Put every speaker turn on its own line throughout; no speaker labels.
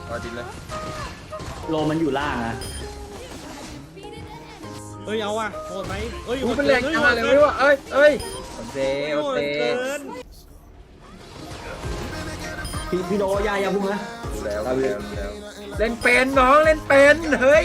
ต่อดินเลย
โลมันอยู่ล่างอะ
เอ้ยเอาว่ะโหดไหมเอ้ย
มันแรงจังเลยไม่รู้ว่าเอ้ยโอเคโอเค
พี่โดอย่าพุ่งนะ
แล้วเล่นเป็นน้องเล่นเป็นเฮ้ย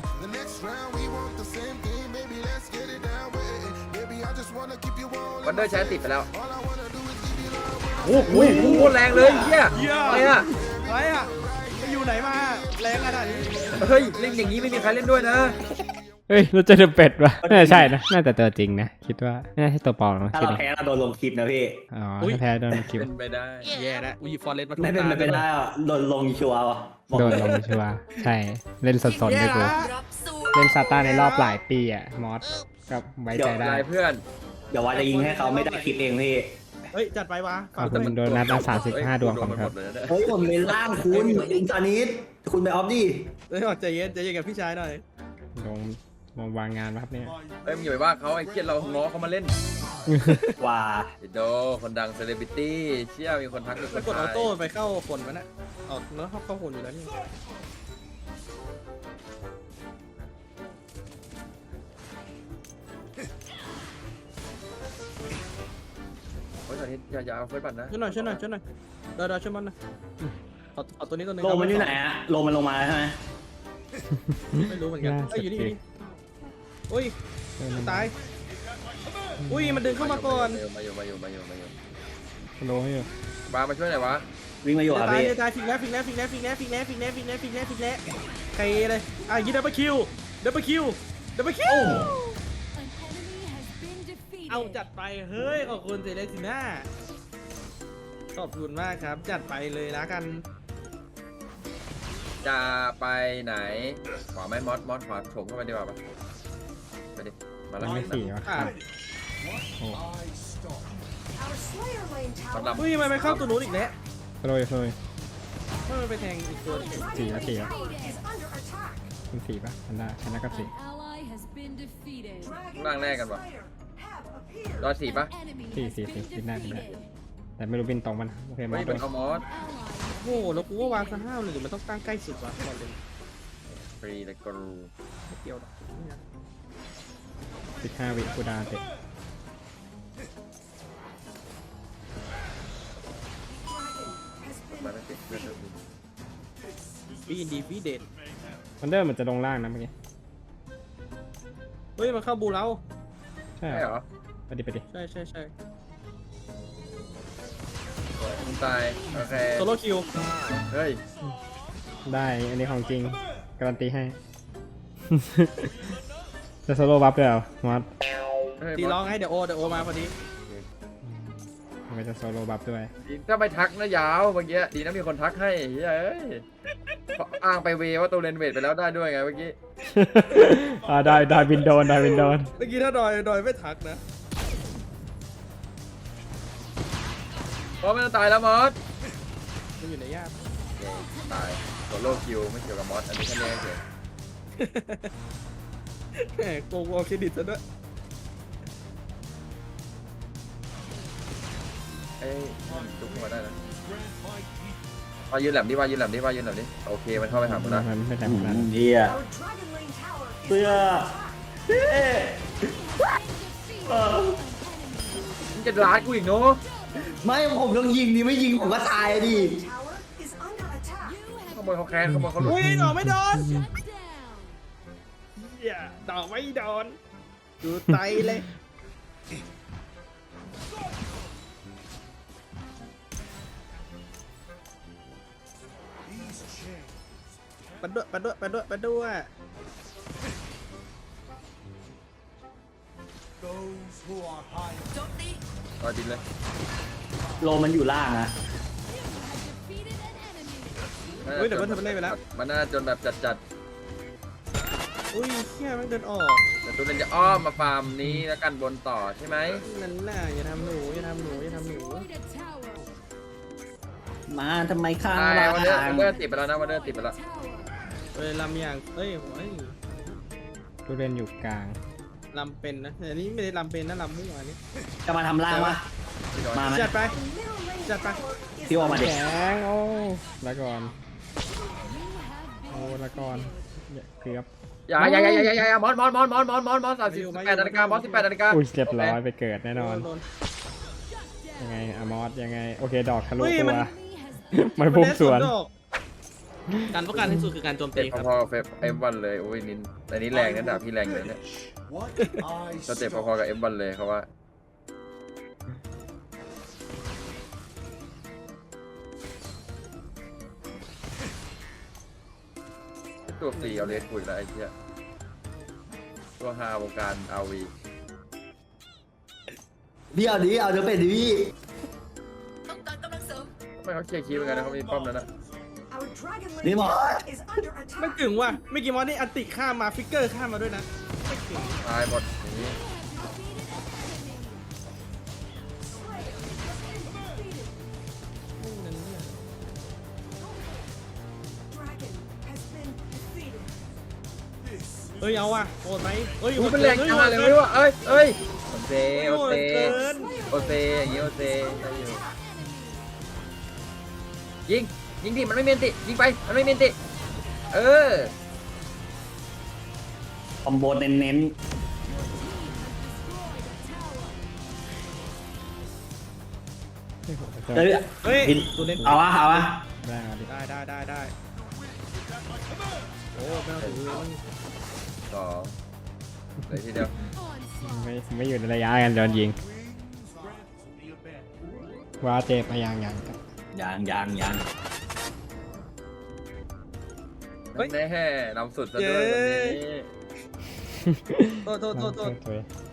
วันเดอร์ใช้ติดไปแล้วโอ้โหแรงเลยเฮียอะไรอะ
ไปอยู่ไหนมาแรงขนาดนี้
เฮ้ยเล่นอย่างนี้ไม่มีใครเล่นด้วยนะ
เฮ้ยเราจะเดอะเป็ดวะน่าจะใช่นะน่าจะตัวจริงนะคิดว่าน่าใช่ตัวปลอมนะ
ถ้า
คิด
เรา
ว่า
แพ้เราโดนลงคลิปนะพี่
อ๋อถ้าแพ้โดนคลิป
เป็นไปได้
แย่แล้วฟอร์เรสมา
ไม่เป็นไปได้อะโดนลงชัวร์ว่ะ
โดนลงชัวร์ใช่เล่นสดๆด้วยกูเล่นซาต้าในรอบหลายปีอ่ะมอสก็ไว้ใจได้
เพื่อน
เดี๋ยวว่าจะยิงให้เขาไม่ได้คลิปเองพี่
เฮ้ยจัดไปวะ
ขอบคุณโดนัทนะ35 ดวงครับ
เฮ้ยผมเป็นล่างคุณอินทานิดคุณไปออฟดิ
เฮ้ยใจเย็นกับพี่ชายหน่อย
ลงมาวางงานครับเนี่ย
เฮ้ยมึงอย่าไปว่าเขาไอ้เกียเราง้อเขามาเล่น
ว่า
โดคนดังเซเลบริตี้เชี่ยมีคนทักมีค
แล้ว
น
กดออ
ทาย
โต้ไปเข้าคนมันนะออกแล้วเข้าคนอยู่แล้วนี่
โอ้ยตอนนี้อย่าเอาเฟิร์สบัตรนะ
ช่วยหน่อยเดี๋ยวช่วยมันนะเอาตัวนี้ตัวนึง
โลมันอยู่ไหนอะโลมันลงมาใช่ไหม
ไม่รู้เหมือนกันเอ้ยอยู่นี่อุ้ยตายอุ้ยมันดึงเข้ามาก่อน
มาอยู่
โลให้อยู่
บามาช่วยหน่อยวะ
วิ่งมาอยู่อะพี่
ตายฟิกแล้วใครเลยยิงดับเบิลคิวเอาจัดไปเฮ้ยขอบคุณเซเลสิน่าขอบคุณมากครับจัดไปเลยนะกัน
จะไปไหนขวาไหมมอสขวาโฉมเข้าไปดีกว่าปะไปดิมาแล้ว
ไม่สี่วะโอ้
มันดำ
อุ้ยมันไปเข้าตัวนู้นอีกแล้ว
โรย
มันไปแทงอีกตัวนึง
4วะเป็น4ป่ะอันน่าก็4
ร่างแรกกันวะรอ4ปะ
4บินได้แต่ไม่รู้บินตรงมันโอเคมา
ไม่
ด้
เป็
วน ย
เอามอส
โอ้แล้วกูว่าวางซะห้าวเลยหรือมันต้องตั้งใกล้สุดวะก่อนเลย
ฟรีเลยกรู
ไม่เกี่ยวหรอก
15 วิกูดาเตะ
มาไม่ติดเพื่อน
ฟีอินดีฟีเดน
วันเดอร์มันจะลงล่างนะเมื่อกี้
เฮ้ยมันเข้าบูเรา
ใช่
ใช่เหรอ
ไปดิ
ใช่
มึงตายโอเค
โซโล่คิว
เฮ้ย
ได้อันนี้ของจริงการันตีให้ จะโซโล่บัฟด้วยเหรอมอส
ตีร้องให้เดี๋ยวโอมาพอดี
มันจะโซโล่บัฟด้วย
ถ้าไม่ทักนะยาวเมื่อกี้ดีนะมีคนทักให้เฮ้ยอ้างไปเวว่าตัวเลนเวทไปแล้วได้ด้วยไงเมื่อกี้
ได้วินโดน
เมื่อกี้ถ้าดอยไม่ทักนะ
เพราะมันตายแล้วมอส
มันอยู่ในย่าม
ตายโซโล่คิวไม่เกี่ยวกับมอสอันนี้แค่นี้เฉย
แหมโกงเอาเครดิตซะด้วย
เอ้ยจุกมาได้นะว่ายืนแหลมดิโอเคมันเข้าไปหาผมแล้ว
มันไม่แต่ผมนะ
เฮียเสื้อ
มึงจะร้านกูอีกเนาะ
ไม่ผมต้องยิงดิไม่ยิงผมก็ตายดิ
ขโมยเขาแค้นขโมยเขาหลุด
อุ้ยดอกไม่โดนอย่าดอกไม่โดนดูไตเลย ไปด้วย
รอดินเลย
โลมันอยู่ล่างอะ
อุ้ยเดี๋ยวมันเล่นไปแล้ว
มันน่าจนแบบจัด
อุ้ยเฮียมันเดินออก
แต่ตัวเลนจะอ้อมมาฟาร์มนี้แล้วกันบนต่อใช่ไหม
นั่นน่ะอย่าทำหนู
มาทำไมข้าง
ตาย
ล่าง
วันเดอร์ติดไปแล้วนะวันเดอร์ติดไปแล้ว
ลำอย่างเอ้ย
ผู้เล่นอยู่กลาง
ลำเป็นนะแต่นี่ไม่ได้ลำเป็นนะลำมั่วนี่
จะมาทำล่างวะมาไหม
จัดไป
พี่ว่ามาเด็ก
แข็งโอ้แล้วก่อนละก่อนเกือบ
อย่ามอส38 นาฬิกามอส18 นาฬิกา
อุ้ยเรียบร้อยไปเกิดแน่นอน
โดน
ยังไงอะมอสยังไงโอเคดอกทะลุ
เฮ้ย
ตั
มัน
วไม่พุ่งสวน
การป้องกันที่สุดคือการโจม
เจ็
ตี
บ
ครับ
พอๆกับF1เลยโอ้ยนินอันนี้แรงนะดาบพี่แรงเลยเนี่ยก็เจ็บพอๆกับF1เลยเขาว่าตัวฟรีเอาเลสคุยแล้วไอ้เหี้ยตัวฮาวงการอาวี
พี่เอาดิเอาเดี๋ยวเป็นดิพี่
ทำไมเขาเคลียร์คีย์เหมือนกันนะเขามีป้อมแล้วนะ
นี่หมอ
ไม่ถึงว่ะไม่กี่มอสนี่อันติข้ามมาฟิกเกอร์ข้ามมาด้วยนะไม่ถึง
ตายหมดอย่างนี้
เอ้ยเอาว่ะโหดไหมเอ้ย
ดูเป็นแรงจังเลยไม่รู้ว่าเอ้ยโอเซ
โหดเกิน
อย่างนี้โอเซได้อยู่ยิงดิมันไม่เมนติยิงไปมันไม่เมนติเออ
คอมโบเน้น ๆเฮ้ย
เฮ้ย
พี่
ตัวเล่น
เอาวะเอาวะ
ได้เอาดิ
ได้โอ้ไม่ต้องถือเลยมัน
สองเลยทีเดียว
ไม่อยู่ในระยะกันโดนยิงว่าเจ็บมายังครับ
ยัง
แน่นำสุดซะด้วยวันนี้
โทษ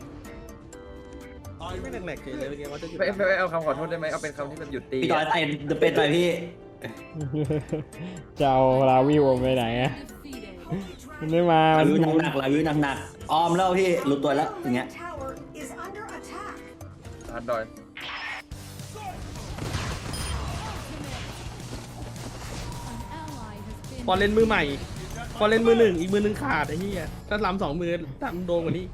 ไม่แหลกๆเลยเมื่อกี้ว่าจะหยุด
ไม่เอาคำขอโทษได้ไหมเอาเป็นคำที่แบบหยุดตี
พี่จอยไอ้เดอะเป็นไปพี่
จะเอาลาวิวไปไหนอะมันไม่มา
ลา
มัน
วิวหนักๆลาวิวหนักๆออมแล้วพี่รู้ตัวแล้วอย่างเงี้ย
ทันดอย
พอเล่นมือใหม่พอเล่นมือหนึ่งอีกมือหนึ่งขาดไอ้เหี้ยถ้าล้ำ2 มือล้ำโดนกว่านี้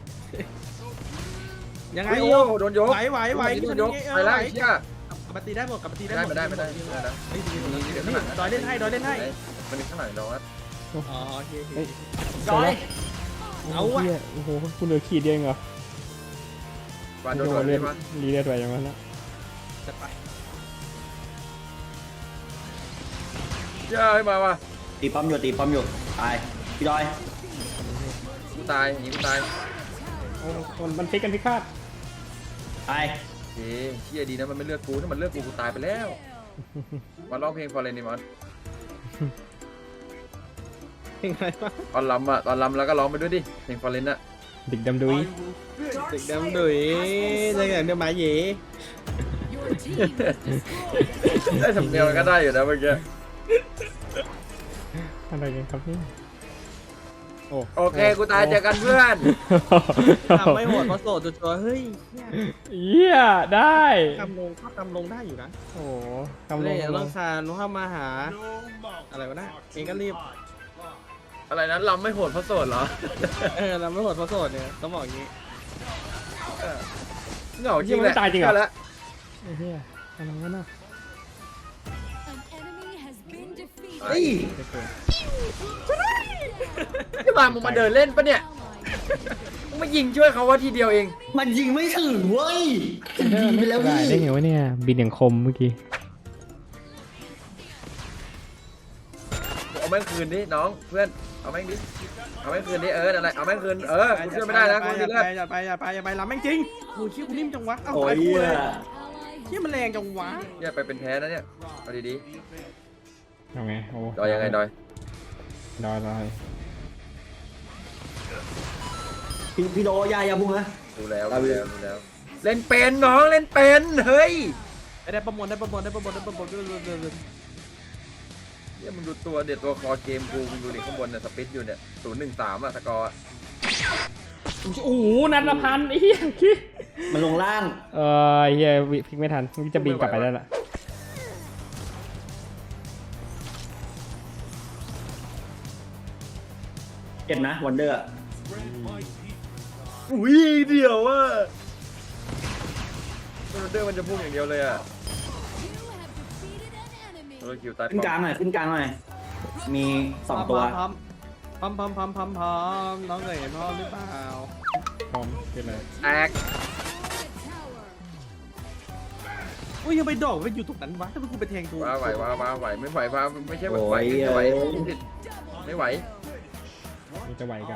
ยังไง
โอ้
โอ้
โดนยก
ไหว
โดนยกไปแล้วเชี่ย
กลับมาตีได้หมดกลับมาตีได้หมด
ไม่ได้
เฮ้ยนี่ดอยเล่นให้
มันมีข้างหลังดอย
อ๋อโอเค
จอย
เอาว่ะ
โอ้โหคุณเหลือขีดเดียวเหรอ
วันโดน
เลื
เล่
อน ด
มา
รีเลือดไปอย่างนั้นละ
จะไป
เชี่ยให้มาว่ะ
ตีป้อมอยู่ตายพี่จอย
กูตายอย่างนี้กูตาย
โอ้มันพลิกกันพิฆาต
ตาย
เชี่ยดีนะมันไม่เลือกกูถ้ามันเลือกกูตายไปแล้วมาร้องเพลงฟอร์เรนดิมอน
ยังไงวะ
ตอนลำแล้วก็ร้องไปด้วยดิเพลงฟอร์เรนอะ
ดิกดำดุย
เด็กดำดุยได้ไงเดี๋ยวมาเย่
ได้สำเนียงก็ได้อยู่นะเมื่อกี้
อะไรกันครับนี่
โอเคกูตายเจอกันเพื่อน
ทำไม่โหดเพราะโสดตัวเฮ้ย
เยี่ยได้
ทำลงได้อยู่นะ
โอ้ทำล
เล่
ง
นต้องคานเข้ามาหาอะไรวะนะเองก็รีบ
อะไรนั้นลำไม่โหดเพราะโสดเหรอ
เราไม่โหดเพราะโสดเนี่ยต้องบอกอย่างนี้
เหงาจริงแหละ
แล้วเฮียอะไรวะน่ะ
เฮ้ย
ที่มามึงมาเดินเล่นปะเนี่ยมึงมายิงช่วยเขาว่าทีเดียวเอง
มันยิงไม่ถึงเว้ยยิงไปแล้วพี่
ได้ไงวะเนี่ยบินอย่างคมเมื่อกี้
เอาแม่งคืนดิน้องเพื่อนเอาแม่งดิเอาแม่งคืนดินั่นแหละเอาแม่งคืนกูช่วยไม่ได้นะกูดีเลิศ
อย่าไปล้ำแม่งจริงโอ้ยชี้กูนิ่มจังวะเอ้า
โอ้
ไป
ย
กู
เหี้
เลย ยชี้มันแรงจังวะ
เนี่ยไปเป็นแพ้นะเนี่ยเอาดี
เอาไงโอ้
ๆดอยยังไงดอย
ดอย
พี่โดยาพุ่งนะ
ดูแล้วเล่นเป็นน้องเล่นเป็นเฮ้ย
ได้ประมวล
เนี่ยมึงดูตัวเด็ดตัวคอเกมกูมึงดูดิข้างบนเนี่ยสปิดอยู่เนี่ย013อะสกอร์
โอ้โหนัดละพันไอ้เหี้ยคิด
มันลงล่าง
เฮียพลิกไม่ทันมึงจะบินกลับไปได้ละ
เจ็บนะวันเดอร์
อุ้ยเดียวว่าเดอร์มันจะพุ่งอย่างเดียวเลยอะคิวตาย
ขึ้นกลางหน่อยมี2 ตัว
พร้อมน้องเคยเห็นพร้อมหรือเปล่า
พร้อมขึ้นเลย
แตก
อุ้ยยังไปดอกไปอยู่ตรงนั้นวะถ้าเป็นกูไปแทงกู
ว้าไหวไม่ไหวว้าไม่ใช่ไหวไม่ไหวไม่ไหว
นี่จะไหวกัน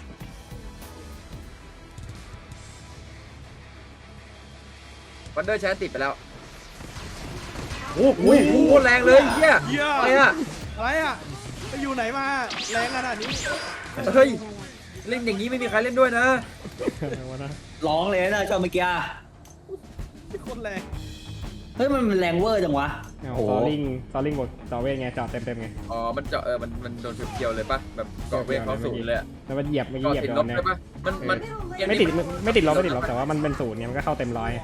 วันเดอร์ใช้ติดไปแล้วโอ้โหแรงเลยเฮีย
เหี้ย
อะไรอ่ะ
อะไรอ่ะไปอยู่ไหนมาแรงขนาดนี้
เฮ้ยเล่นอย่างนี้ไม่มีใครเล่นด้วยนะ
อะไรวะนะ
ร้องเลยนะชอบเมื่อกี้
โคตรแรง
เฮ้ยมันแรงเวอร์จังวะ
เอา
โอ้โห
ซอลลิงบทซอเวทไงจอดเต็มไง
อ๋อมันเจาะมันโดนเกี่ยวเลยปะแบบเกาะเวทเขาสูงเลยอะ
แล้วมันเหยียบเมื่อกี้
เกาะ
เหยียบ
ติด
โด
ลบ
นเนี่ย
ใช่ปะมัน
ไม่ติดไม่ติดลบแต่ว่ามันเป็นศูนย์เนี่ยมันก็เข้าเต็มร้อย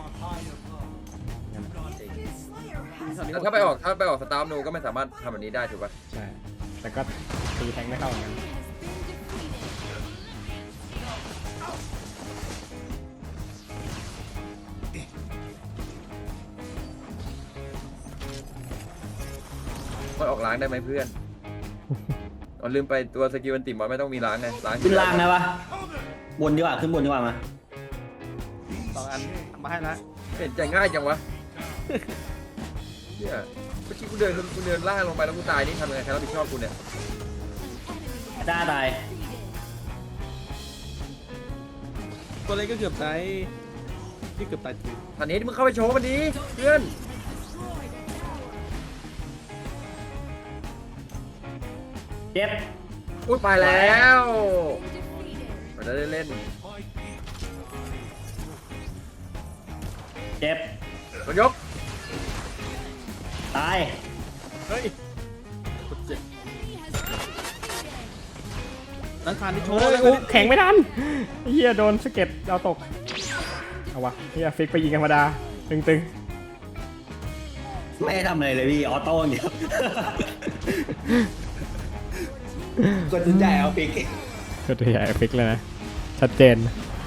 แต่ถ้าไปออกสตาร์ทนูก็ไม่สามารถทำแบบนี้ได้ถูกปะ
ใช่แต่ก็ตีแทงไม่เข้าเหมือนกัน
มันออกล้างได้ไหมเพื่อนอ๋อลืมไปตัวสกิลมันติดมันไม่ต้องมีล้างไงล้าง
ขึ้นล่างนะวะบนดีกว่าขึ้นบนดีกว่ามา
2 อันทำมาให้ละ
เห็นใจง่ายจังวะเนี่ยเมื่อกี้กูเดินล่างลงไปแล้วกูตายนี่ทำยังไงใครรับผิดชอบกูเนี่ย
ด้าตาย
ตัวเล็กก็เกือบตายนี่เกือบตายจริง
ตอนนี้มึงเข้าไปโชว์มันดีเพื่อน
เจ็บ
อุ้ยไปแล้วมันจะได้เล่น
เจ็บ
มันยก
ตาย
เฮ้ยกดเจ็บนั่นผ่านที่โชว์
โอ้
เลย
แข็งไม่ทันเฮียโดนสะเก็ตเอาตกเอาวะเฮียฟิกไปยิงธรรมดาตึง
ไม่ได้ทำอะไรเลยพี่ออโต้อย่างเดียวกดจุดใหญ่เอาปิก
ๆก็ตัวใหญ่ฟิกเลยนะชัดเจน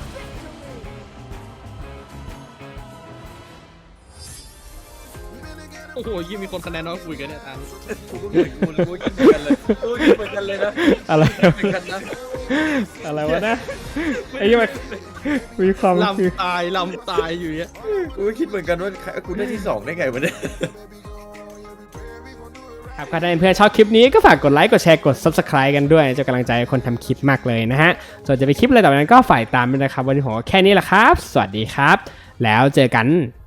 โอ้โหยี่มีคนคะแนนน้อยคุยกันเนี่ยตาม
กูก็เหมือนกูคิดเหมือนกันเลยกูคิดเหมือนกันเลยนะ
อะไร
เหมือนกันนะ
อะไรวะนะไอ้ยี่มันมีความ
ลำตายอยู่เนี่ย
กูก็คิดเหมือนกันว่ากูได้ที่2ได้ไงวะเนี่ย
ครับถ้าเพื่อนชอบคลิปนี้ก็ฝากกดไลค์กดแชร์กด subscribe กันด้วยจะกำลังใจให้คนทำคลิปมากเลยนะฮะส่วนจะไปคลิปอะไรต่อไปนั้นก็ฝ่ายตามด้วยนะครับวันนี้ผมก็แค่นี้แหละครับ สวัสดีครับ แล้วเจอกัน